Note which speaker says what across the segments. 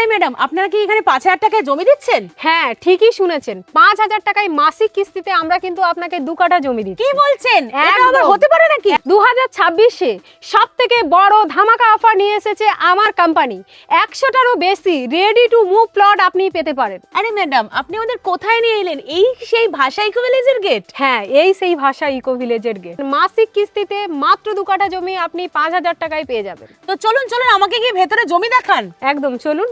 Speaker 1: আরে ম্যাডাম, আপনারা কি এখানে ৫,০০০ টাকায় জমি দিচ্ছেন?
Speaker 2: হ্যাঁ, ঠিকই শুনেছেন। ৫,০০০ টাকায় মাসিক কিস্তিতে আমরা কিন্তু আপনাকে ২ কাঠা জমি দিচ্ছি।
Speaker 1: কি বলছেন? এটা
Speaker 2: একদম।
Speaker 1: আবার হতে পারে নাকি?
Speaker 2: 2026-এ সবথেকে বড় ধামাকা অফার নিয়ে এসেছে আমার কোম্পানি। ১০০টারও বেশি রেডি টু মুভ প্লট আপনি পেতে পারেন।
Speaker 1: আরে ম্যাডাম, আপনি আমাদের কোথায় নিয়ে এলেন? এই সেই ভাষা ইকো ভিলেজের গেট?
Speaker 2: হ্যাঁ, এই সেই ভাষা ইকো ভিলেজের গেট। মাসিক কিস্তিতে মাত্র ২ কাঠা জমি আপনি ৫,০০০ টাকায় পেয়ে যাবেন।
Speaker 1: তো চলুন চলুন, আমাকে গিয়ে ভেতরে জমি দেখান।
Speaker 2: একদম, চলুন।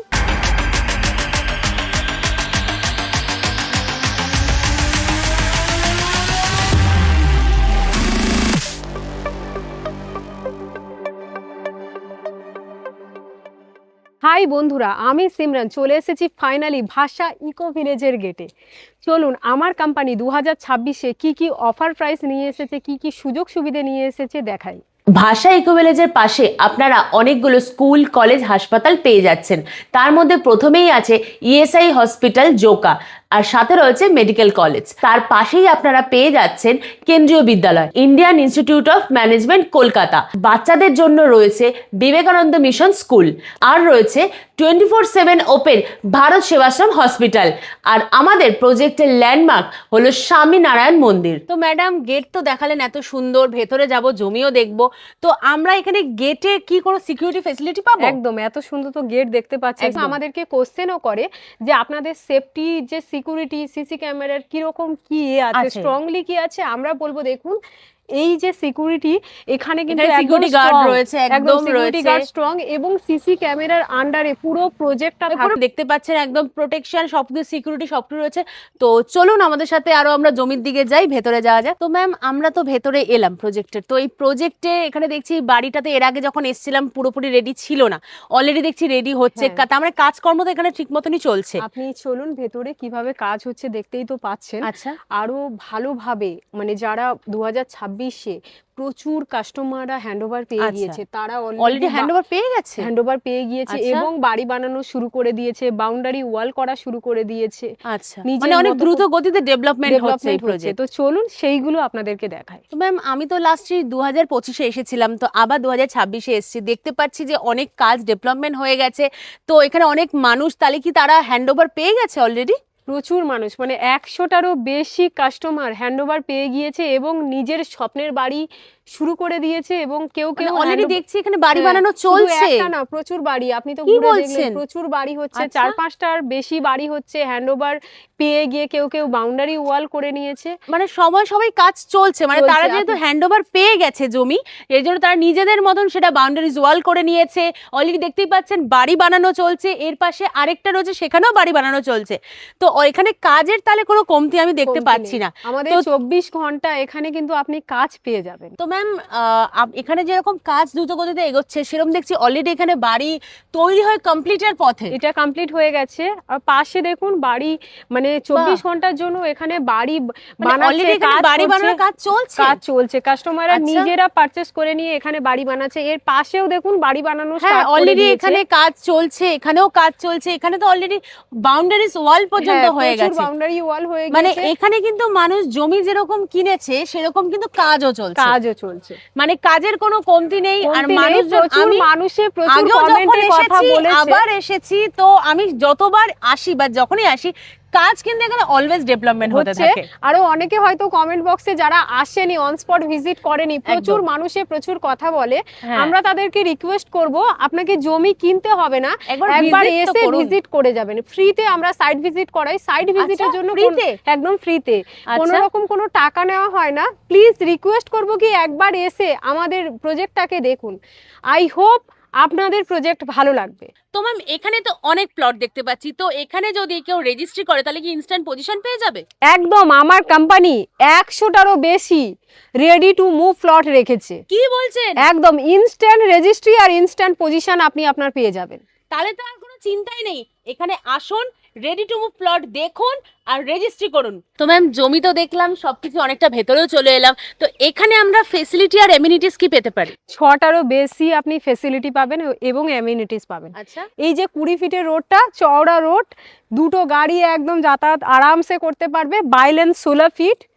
Speaker 2: হাই বন্ধুরা, আমি সিমরান চলে এসেছি ফাইনালি ভাষা ইকো ভিলেজের গেটে। চলুন, আমার কোম্পানি 2026-এ কি কি অফার প্রাইস নিয়ে এসেছে, কি কি সুযোগ সুবিধা নিয়ে এসেছে দেখাই।
Speaker 3: ভাষা ইকো ভিলেজের পাশে আপনারা অনেকগুলো স্কুল, কলেজ, হাসপাতাল পেয়ে যাচ্ছেন। তার মধ্যে প্রথমেই আছে ইএসআই হসপিটাল জোকা, আর সাথে রয়েছে মেডিকেল কলেজ। তার পাশেই আপনারা পেয়ে যাচ্ছেন Kendriya Vidyalaya Indian Institute of Management Kolkata. বাচ্চাদের জন্য রয়েছে বিবেকানন্দ মিশন স্কুল, আর রয়েছে 24/7 ওপেন ভারত সেবাশ্রম হসপিটাল। আর আমাদের প্রজেক্টের ল্যান্ডমার্ক হলো স্বামীনারায়ণ মন্দির।
Speaker 1: তো ম্যাডাম, গেট তো দেখালেন এত সুন্দর, ভেতরে যাব, জমিও দেখবো। তো আমরা এখানে গেটে কি কোনো সিকিউরিটি ফ্যাসিলিটি পাবো?
Speaker 2: একদম, এত সুন্দর তো গেট দেখতে পাচ্ছি। আমাদেরকে কোশ্চেনও করে যে আপনাদের সেফটি, যে সিকিউরিটি, সিসি ক্যামেরার কিরকম কি আছে, স্ট্রংলি কি আছে। আমরা বলবো দেখুন, এই যে সিকিউরিটি, এখানে কিন্তু
Speaker 1: সিকিউরিটি গার্ড রয়েছে, একদম
Speaker 2: সিকিউরিটি গার্ড স্ট্রং, এবং সিসি ক্যামেরার আন্ডারে পুরো প্রজেক্টটা
Speaker 1: দেখতে পাচ্ছেন, একদম প্রোটেকশন, সবকিছু সিকিউরিটি সবকিছু রয়েছে। তো চলুন আমাদের সাথে আরো আমরা জমির দিকে যাই, ভেতরে যাওয়া যায়। তো ম্যাম, আমরা তো ভেতরে এলাম প্রজেক্টের। তো এই প্রজেক্টে এখানে দেখছি বাড়িটাতে এর আগে যখন এসেছিলাম পুরোপুরি রেডি ছিল না, অলরেডি দেখছি রেডি হচ্ছে। তার মানে কাজকর্ম তো এখানে ঠিক মতনই চলছে।
Speaker 2: আপনি চলুন ভেতরে, কিভাবে কাজ হচ্ছে দেখতেই তো পাচ্ছেন।
Speaker 1: আচ্ছা,
Speaker 2: আরো ভালোভাবে, মানে যারা 2026-এ প্রচুর কাস্টমাররা হ্যান্ডওভার পেয়ে গিয়েছে, তারা
Speaker 1: অলরেডি হ্যান্ডওভার পেয়ে গেছে
Speaker 2: এবং বাড়ি বানানো শুরু করে দিয়েছে, বাউন্ডারি ওয়াল করা শুরু করে দিয়েছে।
Speaker 1: আচ্ছা, মানে অনেক দ্রুত গতিতে ডেভেলপমেন্ট হচ্ছে এই প্রজেক্ট।
Speaker 2: তো চলুন সেইগুলো আপনাদেরকে দেখাই।
Speaker 1: তো ম্যাম, আমি তো লাস্টে 2025-এ এসেছিলাম, তো আবার 2026-এ এসেছি। দেখতে পাচ্ছি যে অনেক কাজ ডেভেলপমেন্ট হয়ে গেছে। তো এখানে অনেক মানুষ, তাহলে কি তারা হ্যান্ডওভার পেয়ে গেছে অলরেডি?
Speaker 2: প্রচুর মানুষ, মানে ১০০টারও বেশি কাস্টমার হ্যান্ডওভার পেয়ে গিয়েছে এবং নিজের স্বপ্নের বাড়ি শুরু করে দিয়েছে। এবং কেউ
Speaker 1: অলরেডি দেখছি এখানে বাড়ি বানানো চলছে।
Speaker 2: একটা না, প্রচুর বাড়ি, আপনি তো ঘুরে দেখলেন, প্রচুর বাড়ি হচ্ছে। ৪-৫টার বেশি বাড়ি হচ্ছে হ্যান্ডওভার পেয়ে গিয়ে। কেউ বাউন্ডারি ওয়াল করে নিয়েছে।
Speaker 1: মানে সবাই কাজ চলছে। মানে তারা যেহেতু হ্যান্ডওভার পেয়ে গেছে জমি, এর জন্য তারা নিজেদের মতন সেটা বাউন্ডারিজ ওয়াল করে নিয়েছে। অলরেডি দেখতেই পাচ্ছেন বাড়ি বানানো চলছে। এর পাশে আরেকটা রয়েছে, সেখানেও বাড়ি বানানো চলছে। তো এখানে কাজের তাহলে কোনো কমতি আমি দেখতে পাচ্ছি না।
Speaker 2: আমাদের ২৪ ঘন্টা এখানে কিন্তু আপনি কাজ পেয়ে যাবেন।
Speaker 1: তো ম্যাম, এখানে যেরকম কাজ দ্রুত গতিতে এগোচ্ছে, সেরকম দেখছি অলরেডি এখানে বাড়ি তৈরি হয়ে কমপ্লিটের পথে।
Speaker 2: এটা কমপ্লিট হয়ে গেছে। আর পাশে দেখুন বাড়ি, মানে ২৪ ঘন্টার জন্য এখানে বাড়ি বানাচ্ছে,
Speaker 1: বাড়ি বানানোর কাজ চলছে।
Speaker 2: কাস্টমাররা নিজেরা পারচেজ করে নিয়ে এখানে বাড়ি বানাচ্ছে। এর পাশেও দেখুন বাড়ি বানানো স্টার্ট করে
Speaker 1: অলরেডি
Speaker 2: দিয়েছে।
Speaker 1: এখানে কাজ চলছে, এখানেও কাজ চলছে। এখানে তো অলরেডি বাউন্ডারিজ ওয়াল পর্যন্ত হয়ে গেছে।
Speaker 2: বাউন্ডারি ওয়াল হয়ে গেছে।
Speaker 1: মানে এখানে কিন্তু মানুষ জমি যেরকম কিনেছে, সেরকম কিন্তু কাজও চলছে। মানে কাজের কোনো কমতি নেই। আর
Speaker 2: মানুষে প্রচুর কমেন্টে কথা বলেছে।
Speaker 1: আবার এসেছি, তো আমি যতবার আসি বা যখনই আসি, কাজ কিন্তু এখানে অলওয়েজ ডেভেলপমেন্ট হতে থাকে।
Speaker 2: আরো অনেকে হয়তো কমেন্ট বক্সে যারা আসেনি, অন স্পট ভিজিট করেনি, প্রচুর মানুষে প্রচুর কথা বলে। আমরা তাদেরকে রিকোয়েস্ট করব, আপনাকে জমি কিনতে হবে না, একবার এসে ভিজিট করে যাবেন। ফ্রিতে আমরা সাইট ভিজিট করাই। সাইট ভিজিটের জন্য একদম ফ্রিতে, কোনো রকম কোনো টাকা নেওয়া হয় না। প্লিজ রিকোয়েস্ট করব কি একবার এসে আমাদের প্রজেক্টটাকে দেখুন। আই হোপ আপনাদের প্রজেক্ট ভালো লাগবে।
Speaker 1: তো ম্যাম, এখানে তো অনেক প্লট দেখতে পাচ্ছি। তো এখানে যদি কেউ রেজিস্ট্রি করে, তাহলে কি ইনস্ট্যান্ট পজিশন পেয়ে যাবে?
Speaker 2: একদম, আমার কোম্পানি ১০০টারও বেশি রেডি টু মুভ প্লট রেখেছে।
Speaker 1: কি বলছেন?
Speaker 2: একদম ইনস্ট্যান্ট রেজিস্ট্রি আর ইনস্ট্যান্ট পজিশন আপনি আপনার পেয়ে যাবেন।
Speaker 1: তাহলে তো আর কোনো চিন্তাই নেই। এখানে আসুন, রেডি টু মুভ প্লট দেখুন আর রেজিস্ট্রি করুন। তো ম্যাম, জমি তো দেখলাম, সবকিছু অনেকটা ভেতরেও চলে এলাম। তো এখানে আমরা ফেসিলিটি আর এমিনিটিস কি পেতে পারি?
Speaker 2: ৬টারও বেশি আপনি ফেসিলিটি পাবেন এবং এমিনিটিস পাবেন।
Speaker 1: আচ্ছা,
Speaker 2: এই যে ২০ ফিটের রোডটা, চওড়া রোড, দুটো গাড়ি একদম যাতায়াত আরামসে করতে পারবে। By lane ১৬ feet.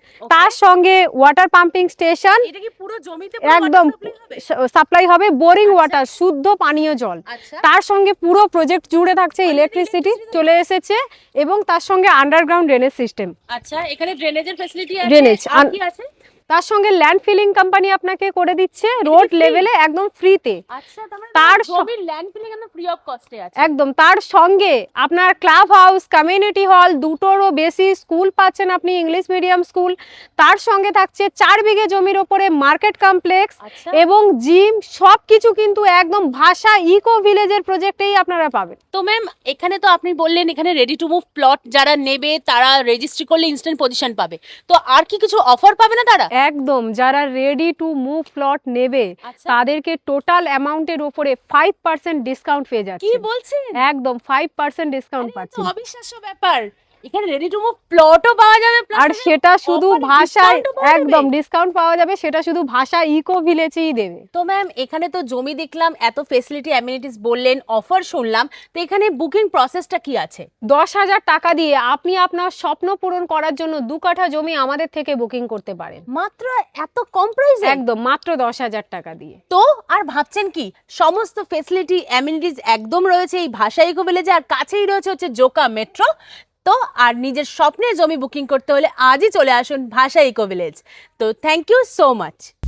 Speaker 2: তার সঙ্গে ওয়াটার পাম্পিং স্টেশন,
Speaker 1: এটা কি পুরো জমিতে
Speaker 2: একদম সাপ্লাই হবে, বোরিং ওয়াটার, শুদ্ধ পানীয় জল।
Speaker 1: আচ্ছা
Speaker 2: তার সঙ্গে পুরো প্রজেক্ট জুড়ে থাকছে ইলেকট্রিসিটি চলে এসেছে, এবং তার সঙ্গে আন্ডারগ্রাউন্ড ড্রেনেজ সিস্টেম।
Speaker 1: আচ্ছা এখানে ড্রেনেজের ফ্যাসিলিটি আছে,
Speaker 2: ড্রেনেজ
Speaker 1: আর কি আছে?
Speaker 2: তার সঙ্গে ল্যান্ড ফিলিং কোম্পানি আপনাকে করে দিচ্ছে রোড লেভেলে একদম ফ্রিতে।
Speaker 1: আচ্ছা
Speaker 2: তার
Speaker 1: জমির ল্যান্ড ফিলিং একদম ফ্রি অফ কস্টে আছে।
Speaker 2: একদম, তার সঙ্গে আপনার ক্লাব হাউস, কমিউনিটি হল, দুটোরও বেশি স্কুল পাচ্ছেন আপনি, ইংলিশ মিডিয়াম স্কুল। তার সঙ্গে থাকছে 4 বিঘে জমির ওপরে মার্কেট কমপ্লেক্স
Speaker 1: আচ্ছা
Speaker 2: এবং জিম, সবকিছু কিন্তু একদম ভাষা ইকো ভিলেজের প্রজেক্টেই আপনারা পাবেন।
Speaker 1: তো ম্যাম এখানে তো আপনি বললেন এখানে রেডি টু মুভ প্লট যারা নেবে তারা রেজিস্ট্রি করলে ইনস্ট্যান্ট পজিশন পাবে, তো আর কি কিছু অফার পাবে না তারা?
Speaker 2: একদম, যারা রেডি টু মুভ প্লট নেবে
Speaker 1: আচ্ছা।
Speaker 2: তাদেরকে টোটাল অ্যামাউন্টের উপরে 5% ডিসকাউন্ট পেয়ে
Speaker 1: কি
Speaker 2: যাচ্ছে।
Speaker 1: বলছেন?
Speaker 2: একদম 5% ডিসকাউন্ট
Speaker 1: আরে, এ তো
Speaker 2: পাচ্ছেন।
Speaker 1: অবিশ্বাস্য ব্যাপার, এখানে রেডি টু মুভ প্লটও পাওয়া যাবে plus
Speaker 2: আর
Speaker 1: এখানে
Speaker 2: সেটা শুধু
Speaker 1: offer
Speaker 2: ভাষায়,
Speaker 1: discount ও পাওয়া যাবে?
Speaker 2: একদম ডিসকাউন্ট পাওয়া যাবে, সেটা শুধু ভাষা ইকো ভিলেজেই দেবে।
Speaker 1: তো ম্যাম এখানে তো জমি দেখলাম, এত ফেসিলিটি অ্যামিনিটিস বললেন, অফার শুনলাম, তো এখানে বুকিং প্রসেসটা কি আছে?
Speaker 2: 10,000 টাকা দিয়ে আপনি আপনার স্বপ্ন পূরণ করার জন্য 2 কাঠা জমি আমাদের থেকে বুকিং করতে পারেন,
Speaker 1: মাত্র এত কম প্রাইসে?
Speaker 2: একদম মাত্র 10,000 টাকা দিয়ে।
Speaker 1: তো আর ভাবছেন কি, সমস্ত ফেসিলিটি অ্যামিনিটিস একদম রয়েছে এই ভাষা ইকো ভিলেজে, আর কাছেই রয়েছে হচ্ছে জোকা মেট্রো। তো আর নিজের স্বপ্নের জমি বুকিং করতে হলে আজই চলে আসুন ভাষা ইকো ভিলেজ। তো থ্যাংক ইউ সো মাচ।